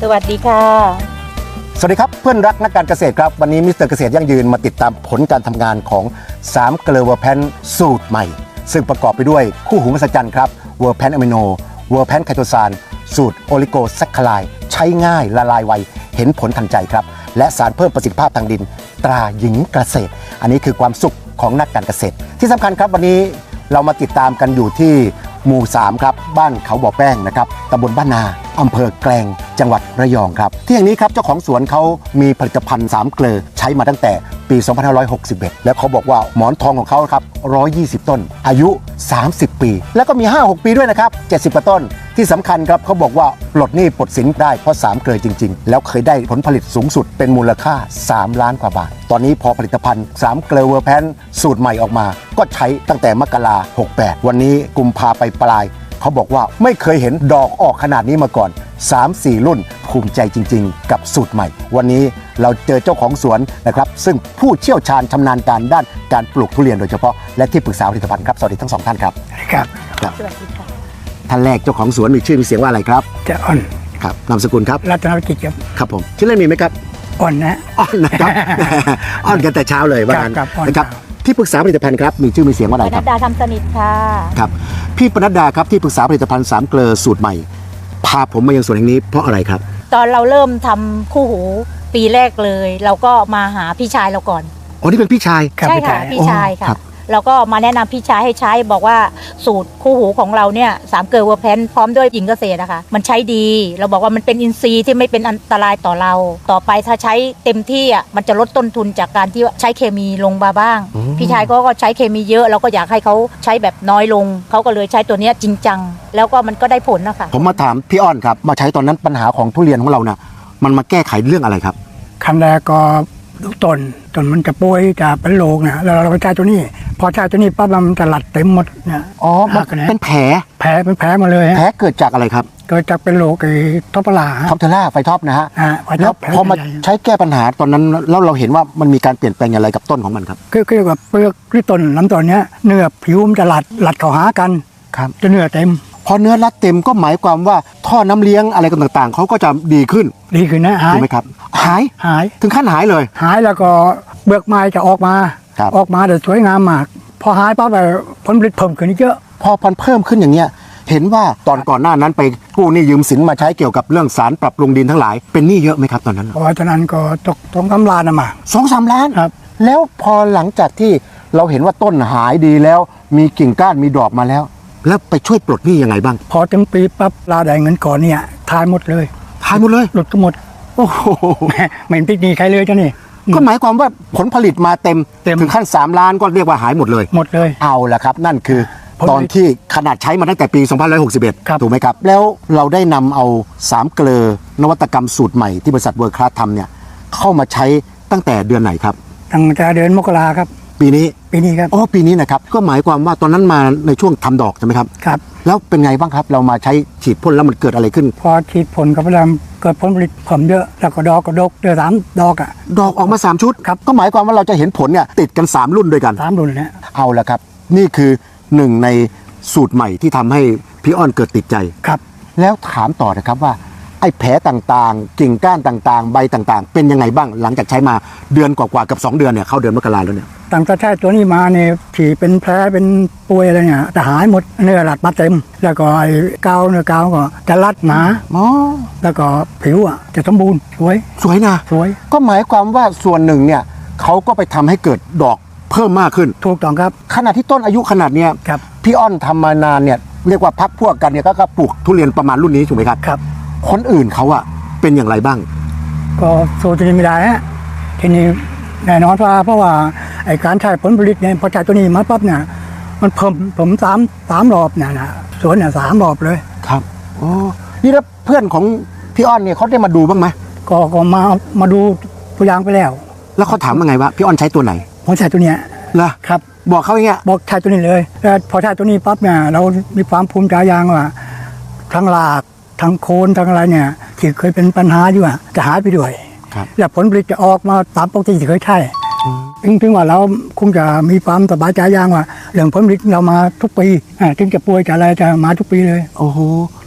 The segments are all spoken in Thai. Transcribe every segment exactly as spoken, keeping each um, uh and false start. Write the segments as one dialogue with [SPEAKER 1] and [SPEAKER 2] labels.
[SPEAKER 1] สวัสดีค่ะ
[SPEAKER 2] สวัสดีครับเพื่อนรักนักการเกษตรครับวันนี้มิสเตอร์เกษตรยั่งยืนมาติดตามผลการทำงานของสามเกลือเวอร์แพนสูตรใหม่ซึ่งประกอบไปด้วยคู่หูมหัศจรรย์ครับเวอร์แพนอะมิโนเวอร์แพนไคโตซานสูตรโอลิโกแซคคลายใช้ง่ายละลายไวเห็นผลทันใจครับและสารเพิ่มประสิทธิภาพทางดินตราหญิงเกษตรอันนี้คือความสุขของนักการเกษตรที่สำคัญครับวันนี้เรามาติดตามกันอยู่ที่หมู่สามครับบ้านเขาบ่อแป้งนะครับตำบลบ้านนาอำเภอแกลงจังหวัดระยองครับที่แห่งนี้ครับเจ้าของสวนเขามีผลิตภัณฑ์สามเกลือใช้มาตั้งแต่ปีสองพันห้าร้อยหกสิบเอ็ดแล้วเขาบอกว่าหมอนทองของเขาครับหนึ่งร้อยยี่สิบต้นอายุสามสิบปีแล้วก็มี ห้าหก ปีด้วยนะครับเจ็ดสิบกว่าต้นที่สำคัญครับเขาบอกว่าปลดหนี้ปลดสินได้เพราะสามเกลือจริงๆแล้วเคยได้ผลผลิตสูงสุดเป็นมูลค่าสามล้านกว่าบาทตอนนี้พอผลิตภัณฑ์สามเกลือเวอร์แพนสูตรใหม่ออกมาก็ใช้ตั้งแต่มกราหกแปดวันนี้กุมภาไปปลายเขาบอกว่าไม่เคยเห็นดอกออกขนาดนี้มาก่อน สามสี่ รุ่นภูมิใจจริงๆกับสูตรใหม่วันนี้เราเจอเจ้าของสวนนะครับซึ่งผู้เชี่ยวชาญชำนาญการด้านการปลูกทุเรียนโดยเฉพาะและที่ปรึกษาผลิตภัณฑ์ครับสวัสดีทั้งสองท่านครับ
[SPEAKER 3] ครับ
[SPEAKER 1] สวัสดีค่ะ
[SPEAKER 2] ท่านแรกเจ้าของสวนมีชื่อมีเสียงว่าอะไรครับ
[SPEAKER 3] จะอ่อน
[SPEAKER 2] ครับนามสกุลครับ
[SPEAKER 3] รัตนวิจิตรครับ
[SPEAKER 2] ครับผมชื่อเล่นมีไหมครับ
[SPEAKER 3] อ่อนนะ
[SPEAKER 2] อ่อนนะครับ อ่อนกันแต่เช้าเลยว่างั้นนะครับที่ปรึกษาผลิตภัณฑ์ครับมีชื่อมีเสียงว่าอะไรครับ
[SPEAKER 1] ปนัดดาทำสนิทค่ะ
[SPEAKER 2] ครับพี่ปนัดดาครับที่ปรึกษาผลิตภัณฑ์สามเกลือสูตรใหม่พาผมมายังสวนแห่งนี้เพราะอะไรครับ
[SPEAKER 1] ตอนเราเริ่มทำคู่หูปีแรกเลยเราก็มาหาพี่ชายเราก่อน
[SPEAKER 2] อ๋อนี่เป็นพี่ชาย
[SPEAKER 1] ใช่ค่ะพี่ชายค่ะเราก็มาแนะนำพี่ชายให้ใช้บอกว่าสูตรคู่หูของเราเนี่ยสามเกลือเวอร์แพนพร้อมด้วยหญิงเกษตรนะคะมันใช้ดีเราบอกว่ามันเป็นอินทรีย์ที่ไม่เป็นอันตรายต่อเราต่อไปถ้าใช้เต็มที่อ่ะมันจะลดต้นทุนจากการที่ใช้เคมีลงมาบ้างพี่ชายก็ใช้เคมีเยอะเราก็อยากให้เขาใช้แบบน้อยลงเขาก็เลยใช้ตัวนี้จริงจังแล้วก็มันก็ได้ผลนะคะ
[SPEAKER 2] ผมมาถามพี่อ้อนครับมาใช้ตอนนั้นปัญหาของทุเรียนของเราเนี่ยมันมาแก้ไขเรื่องอะไรครับ
[SPEAKER 3] ขั้นแรกก็ลูกต้นต้นมันจะป่วยจะเป็นโรคนะแล้วเราไปใช้ตัวนี้พอใช้ตัวนี้ปั๊บมันจะหลัดเต็มหมดเนี่ย
[SPEAKER 2] อ๋อมันเป็นแผล
[SPEAKER 3] แผลเป็นแผลมาเลย
[SPEAKER 2] แผลเกิดจากอะไรครับ
[SPEAKER 3] เกิดจากเป็นโรคไอ้ท็อปปลา
[SPEAKER 2] ท็อปเทล่าไฟท็อปนะฮะ
[SPEAKER 3] แล้ว
[SPEAKER 2] พอมาใช้แก้ปัญหาตอนนั้นแล้วเราเห็นว่ามันมีการเปลี่ยนแปลงอย่างไรกับต้นของมันครับ
[SPEAKER 3] คือคือแบบเปลือกที่ต้นลำต้นเนี้ยเนื้อผิวมันจะหลัดหลัดเข้าหากัน
[SPEAKER 2] ครับ
[SPEAKER 3] จะเนื้อเต็ม
[SPEAKER 2] พอเนื้อรัดเต็มก็หมายความว่าท่อน้ำเลี้ยงอะไรต่างๆเขาก็จะดีขึ้น
[SPEAKER 3] ดีขึ้นนะหาย
[SPEAKER 2] ถูกไหมครับหาย
[SPEAKER 3] หาย
[SPEAKER 2] ถึงขั้นหายเลย
[SPEAKER 3] หายแล้วก็เบือกไม้จะออกมาออกมาแต่สวยงามมากพอหายปั๊บแบบผลผลิตเพิ่มขึ้นเยอะ
[SPEAKER 2] พอพันเพิ่มขึ้นอย่างเงี้ยเห็นว่าตอนก่อนหน้านั้นไปกู้หนี้ยืมสินมาใช้เกี่ยวกับเรื่องสารปรับปรุงดินทั้งหลายเป็นหนี้เยอะไหมครับตอนนั้น
[SPEAKER 3] พอตอนนั้นก็ตกสองสามล้านนะมา
[SPEAKER 2] สองสามล้าน
[SPEAKER 3] ครับ
[SPEAKER 2] แล้วพอหลังจากที่เราเห็นว่าต้นหายดีแล้วมีกิ่งก้านมีดอกมาแล้วแล้วไปช่วยปลดหนี้ยังไงบ้าง
[SPEAKER 3] พอถึงปีปั๊บลาได้เงินก่อนเนี่ยทายหมดเลย
[SPEAKER 2] ทายหมดเลย
[SPEAKER 3] หลุดก็หมด
[SPEAKER 2] โอ้โห
[SPEAKER 3] ไม่เห็นพิกนีใครเลยเจ้านี่
[SPEAKER 2] ก็หมายความว่าผลผลิตมาเต็มถึงขั้นสามล้านก็เรียกว่าหายหมดเลย
[SPEAKER 3] หมดเลย
[SPEAKER 2] เอาละครับนั่นคือตอนที่ขนาดใช้มาตั้งแต่ปีสองพันห้าร้อยหกสิบเอ็ดถูกไหมครับแล้วเราได้นำเอาสามเกลือนวัตกรรมสูตรใหม่ที่บริษัทเวิร์คคลาสทำเนี่ยเข้ามาใช้ตั้งแต่เดือนไหนครับ
[SPEAKER 3] ตั้งแต่เดือนมกราครับ
[SPEAKER 2] ปีนี้
[SPEAKER 3] ปีนี้ครับ
[SPEAKER 2] อ๋อปีนี้นะครับก็หมายความว่าตอนนั้นมาในช่วงทำดอกใช่ไหมครับ
[SPEAKER 3] ครับ
[SPEAKER 2] แล้วเป็นไงบ้างครับเรามาใช้ฉีดพ่นแล้วมันเกิดอะไรขึ้น
[SPEAKER 3] พอฉีดพ่นกับพลังเกิดผลผลิตเพิ่มเยอะแล้วก็ดอกก็ดกเดือนสามดอกอ่ะ
[SPEAKER 2] ดอกออกมาสามชุด
[SPEAKER 3] ครับ
[SPEAKER 2] ก็หมายความว่าเราจะเห็นผลเนี่ยติดกันสามรุ่นด้วยกัน
[SPEAKER 3] สามรุ่นเนี่ย
[SPEAKER 2] เอาละครับนี่คือหนึ่งในสูตรใหม่ที่ทำให้พี่อ้อนเกิดติดใจ
[SPEAKER 3] ครับ
[SPEAKER 2] แล้วถามต่อนะครับว่าไอ้แผลต่างๆกิ่งก้านต่างๆใบต่างๆเป็นยังไงบ้างหลังจากใช้มาเดือนกว่าๆกับสองเดือนเนี่ยเข้าเดือนมกราแล้วเนี่ย
[SPEAKER 3] ตั้งแต่ใช้ตัวนี้มาเนี่ยผีเป็นแผลเป็นป่วยอะไรเนี่ยจะหายหมดเนื้อหลัดมาเต็มแล้วก็ไอ้กาวเนื้อกาวก็จะรัดหนา
[SPEAKER 2] อ๋อ
[SPEAKER 3] แล้วก็ผิวอ่ะจะสมบูรณ์สวย
[SPEAKER 2] สวยนะ
[SPEAKER 3] สวย
[SPEAKER 2] ก็หมายความว่าส่วนหนึ่งเนี่ยเขาก็ไปทำให้เกิดดอกเพิ่มมากขึ้น
[SPEAKER 3] ถูกต้องครับ
[SPEAKER 2] ขณะที่ต้นอายุขนาดเนี้ยพี่อ้อนทำมานานเนี่ยเรียกว่าพักพวกกันเนี่ยก็ปลูกทุเรียนประมาณรุ่นนี้ถูกไหมครับ
[SPEAKER 3] ครับ
[SPEAKER 2] คนอื่นเขาอะเป็นอย่างไรบ้าง
[SPEAKER 3] ก็สู้ตัวนี้ไม่ได้ฮะทีนี้แน่นอนว่าเพราะว่าไอ้การใช้ผลผลิตเนี่ยพอใช้ตัวนี้มาปั๊บเนี่ยมันเพิ่มผมสามสามรอบเนี่ยนะสวนเนี่ยสามรอบเลย
[SPEAKER 2] ครับโอ้นี่แล้วเพื่อนของพี่อ้อนเนี่ยเขาได้มาดูบ้างไหม
[SPEAKER 3] ก็ก็มามาดูตัวอย่างไปแล้ว
[SPEAKER 2] แล้วเขาถามว่าไงวะพี่อ้อนใช้ตัวไหน
[SPEAKER 3] ผมใช้ตัวเนี้ย
[SPEAKER 2] เหรอ
[SPEAKER 3] ครับ
[SPEAKER 2] บอกเขาอย่างเงี้ย
[SPEAKER 3] บอกใช้ตัวนี้เลยแล้วพอใช้ตัวนี้ปั๊บเนี่ยเรามีความภูมิใจอย่างว่าทั้งรากทั้งโคนทั้งอะไรเนี่ยที่เคยเป็นปัญหาอยู่อ่ะจะหายไปด้วยแล้วผลผลิตจะออกมาตามปกติที่เคยใช่ถึงถึงว่าเราคงจะมีความสบายใจอย่างว่าเรื่องผลผลิตเรามาทุกปีถึงจะป่วยจะอะไรจะมาทุกปีเลย
[SPEAKER 2] โอ้โหแล้ว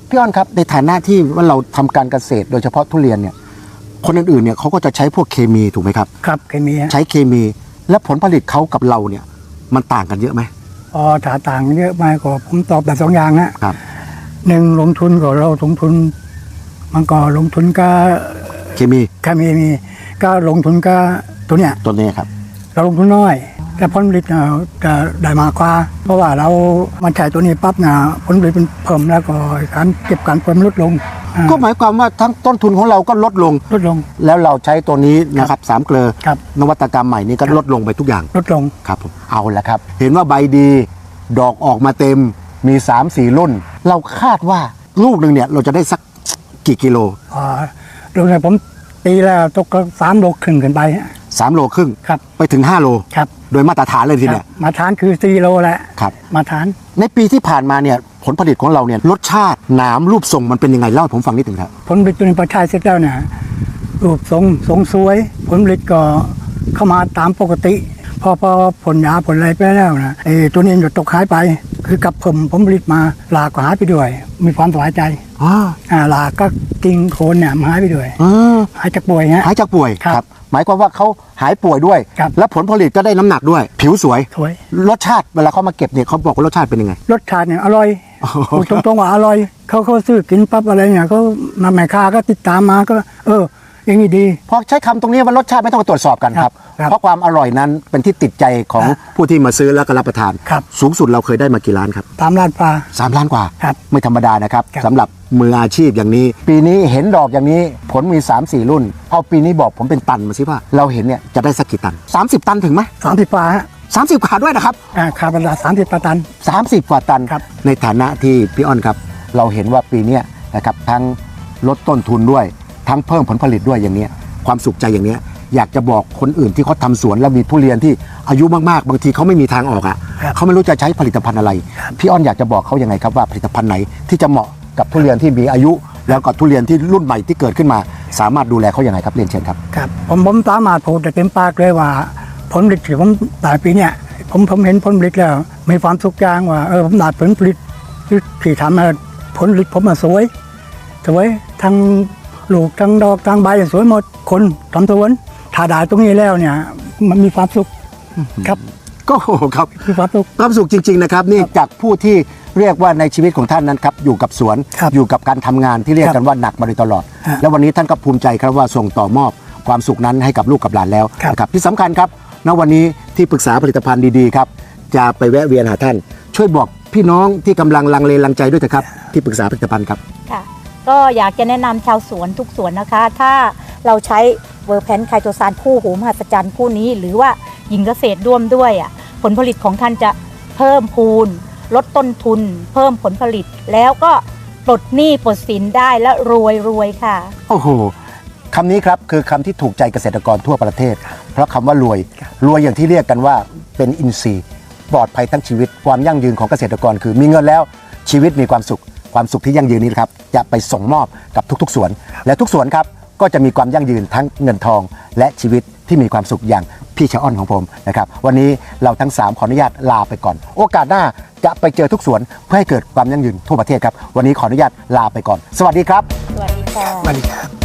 [SPEAKER 2] พี่อ้อนครับในฐานะที่ว่าเราทำการเกษตรโดยเฉพาะทุเรียนเนี่ยคนอื่นๆเนี่ยเขาก็จะใช้พวกเคมีถูกไหมครับ
[SPEAKER 3] ครับเคมีฮะ
[SPEAKER 2] ใช้เคมีและผลผลิตเขากับเราเนี่ยมันต่างกันเยอะไหม
[SPEAKER 3] อ๋อถ้าต่างเยอะมากก็ผมตอบแบบสองอย่างนะครับ หนึ่งลงทุนก็เราลงทุนมันก็ลงทุนก็
[SPEAKER 2] เคมี
[SPEAKER 3] เคมีมีก็ลงทุนก็ตัวเนี้ย
[SPEAKER 2] ตัวนี้ครับ
[SPEAKER 3] เราลงทุนน้อย แต่ผลผลิตเนี่ยจะได้มากกว่าเพราะว่าเรามันใช้ตัวนี้ปั๊บเนี่ยผลผลิตมันเพิ่มแล้วก็การเก็บการเพิ่มลดลงอ่า
[SPEAKER 2] ก็หมายความว่าทั้งต้นทุนของเราก็ลดลง
[SPEAKER 3] ลดลง
[SPEAKER 2] แล้วเราใช้ตัวนี้นะครับสามเกลอ
[SPEAKER 3] ครับ
[SPEAKER 2] นวัตกรรมใหม่นี้ก็ลดลงไปทุกอย่าง
[SPEAKER 3] ลดลง
[SPEAKER 2] ครับผมเอาละครับ เห็นว่าใบดี ดอกออกมาเต็มมี สามสี่ รุ่น เราคาดว่าลูกหนึ่งเนี่ยเราจะได้สักกี่กิโล
[SPEAKER 3] อ่าลงเนี่ยผมตีแล้วตกก็สามโลครึ่งขึ้นไปฮะ
[SPEAKER 2] สามโลครึ่ง
[SPEAKER 3] ครับ
[SPEAKER 2] ไปถึงห้าโล
[SPEAKER 3] ครับ
[SPEAKER 2] โดยมาตรฐานเลยทีเนี่ย
[SPEAKER 3] ครับมาทานคือสี่โลแหละ
[SPEAKER 2] ครับ
[SPEAKER 3] มาทาน
[SPEAKER 2] ในปีที่ผ่านมาเนี่ยผลผลิตของเราเนี่ยรสชาติหนามรูปทรงมันเป็นยังไงเล่าให้ผมฟังนิดหนึ่งครับ
[SPEAKER 3] ผลผลิตตัวนี้พอใช้เสร็จแล้วเนี่ยรูปทรงทรงสวย ผลผลิตก็เข้ามาตามปกติ พอพอผลยาผลอะไรไปแล้วนะไอ้ตัวนี้จะตกหายไป คือกับผมผลผลิตมาหลากก็หายไปด้วย มีความสบายใจ
[SPEAKER 2] อ๋อ
[SPEAKER 3] อ่าหลากก็กิ่งโคนเนี่ยมันหายไปด้วย
[SPEAKER 2] อ๋อ
[SPEAKER 3] หายจากป่วยฮะ
[SPEAKER 2] หายจากป่วย
[SPEAKER 3] ครับ
[SPEAKER 2] หมายความว่าเขาหายป่วยด้วย
[SPEAKER 3] ครับ
[SPEAKER 2] และผลผลิตก็ได้น้ำหนักด้วย ผิวสวย
[SPEAKER 3] สวย
[SPEAKER 2] รสชาติเวลาเขามาเก็บเนี่ยเขาบอกว่ารสชาติเป็นยังไง
[SPEAKER 3] รสชาติเนี่ยอร่อย
[SPEAKER 2] โอ้โห
[SPEAKER 3] พูดตรงๆว่าอร่อยเขาเขาซื้อกินปั๊บอะไรเนี่ยเขามาแม่ค้าก็ติดตามมาก็ เอออย่างนี้ดี
[SPEAKER 2] พอใช้คำตรงนี้ว่ารสชาติไม่ต้องไปตรวจสอบกันครับ
[SPEAKER 3] ครับ
[SPEAKER 2] เพราะความอร่อยนั้นเป็นที่ติดใจของ
[SPEAKER 3] ครับ
[SPEAKER 2] ผู้ที่มาซื้อแล้วก็รับประทาน
[SPEAKER 3] ครับ
[SPEAKER 2] สูงสุดเราเคยได้มากี่ล้านครับ
[SPEAKER 3] ตามร้านปลา
[SPEAKER 2] สามล้านกว่า
[SPEAKER 3] ครับ
[SPEAKER 2] ไม่ธรรมดานะครับ
[SPEAKER 3] ครับ
[SPEAKER 2] สำหรับมืออาชีพอย่างนี้ ปีนี้เห็นดอกอย่างนี้ผลมี สามสี่ รุ่น เอาปีนี้บอกผมเป็นตันมาสิว่าเราเห็นเนี่ยจะได้สักกี่ตัน สามสิบ ตันถึงไหม
[SPEAKER 3] สามสิบปลาฮะ
[SPEAKER 2] สามสิบขาด้วยนะครับ
[SPEAKER 3] อ่าคาร์บอนไดออกไซด์สามสิบปลาตัน
[SPEAKER 2] สามสิบ กว่าตัน
[SPEAKER 3] ครับ
[SPEAKER 2] ในฐานะที่พี่อ้อนครับ เราเห็นว่าปีเนี้ยนะครับทั้งลดต้นทุนด้วย ทั้งเพิ่มผลผลิตด้วยอย่างเนี้ยความสุขใจอย่างเนี้ยอยากจะบอกคนอื่นที่เขาทำสวนแล้วมีทุเรียนที่อายุมากๆ บางทีเขาไม่มีทางออกอ่ะ
[SPEAKER 3] ครับ
[SPEAKER 2] เขาไม่รู้จะใช้ผลิตภัณฑ์อะไร พี่อ้อนอยากจะบอกเขายังไงครับว่าผลิตภัณฑ์ไหนที่จะเหมาะกับทุเรียนที่มีอายุ แล้วก็ทุเรียนที่รุ่นใหม่ที่เกิดขึ้นมา สามารถดูแลเขายังไงครับเรียนเชิญครับ
[SPEAKER 3] ครับผมผมสามารถพูดได้เต็มปากเลยว่าผลผลิตที่ผมได้ปีเนี่ยผมผมเห็นผลผลิตแล้วมีความสุขจางว่าเออผมได้ผลผลิตที่ที่ทำมาผลผลิตผมมาสวยสวยทั้งลูกทั้งดอกทั้งใบสวยหมดคนทำสวนถ้าได้ตรงนี้แล้วเนี่ยมันมีความสุขครับ
[SPEAKER 2] ก็โอ้โหครับ
[SPEAKER 3] มีความสุข
[SPEAKER 2] ความสุขจริงๆนะครับนี่จากผู้ที่เรียกว่าในชีวิตของท่านนั้นครับอยู่กับสวน
[SPEAKER 3] ครับ
[SPEAKER 2] อยู่กับการทำงานที่เรียก
[SPEAKER 3] ครับ
[SPEAKER 2] กันว่าหนักมาโดยตลอด
[SPEAKER 3] ฮะ
[SPEAKER 2] แล้ววันนี้ท่านก็ภูมิใจครับว่าส่งต่อมอบความสุขนั้นให้กับลูกกับหลานแล้ว
[SPEAKER 3] ครับ
[SPEAKER 2] นะครับที่สำคัญครับณวันนี้ที่ปรึกษาผลิตภัณฑ์ดีๆครับจะไปแวะเวียนหาท่าน ช่วยบอกพี่น้องที่กำลังลังเลลังใจด้วยนะครับที่ปรึกษาผลิตภัณฑ์ครับ
[SPEAKER 1] ค่ะก็อยากจะแนะนำชาวสวนทุกสวนนะคะ ถ้าเราใช้เวอร์แพนไคโตซานคู่หูมหัศจรรย์คู่นี้ หรือว่าหญิงเกษตรร่วมด้วยอ่ะผลผลิตของท่านจะเพิ่มพูน ลดต้นทุน เพิ่มผลผลิต แล้วก็ปลดหนี้ปลดสินได้และรวยรวยค่ะ
[SPEAKER 2] โอ้โหคำนี้ครับคือคำที่ถูกใจเกษตรกรทั่วประเทศ เพราะคำว่ารวย รวยอย่างที่เรียกกันว่าเป็นอินทรีย์ปลอดภัยทั้งชีวิตความยั่งยืนของเกษตรกรคือมีเงินแล้วชีวิตมีความสุข ความสุขที่ยั่งยืนนี้ครับจะไปส่งมอบกับทุกๆสวน และทุกสวนครับก็จะมีความยั่งยืนทั้งเงินทอง และชีวิตที่มีความสุขอย่างพี่ชะอ้อนของผมนะครับวันนี้เราทั้งสามขออนุญาตลาไปก่อน โอกาสหน้าจะไปเจอทุกสวนเพื่อให้เกิดความยั่งยืนทั่วประเทศครับวันนี้ขออนุญาตลาไปก่อน สวัสดีครับ
[SPEAKER 1] สวัสดีค่ะ
[SPEAKER 3] สวัสดีครับ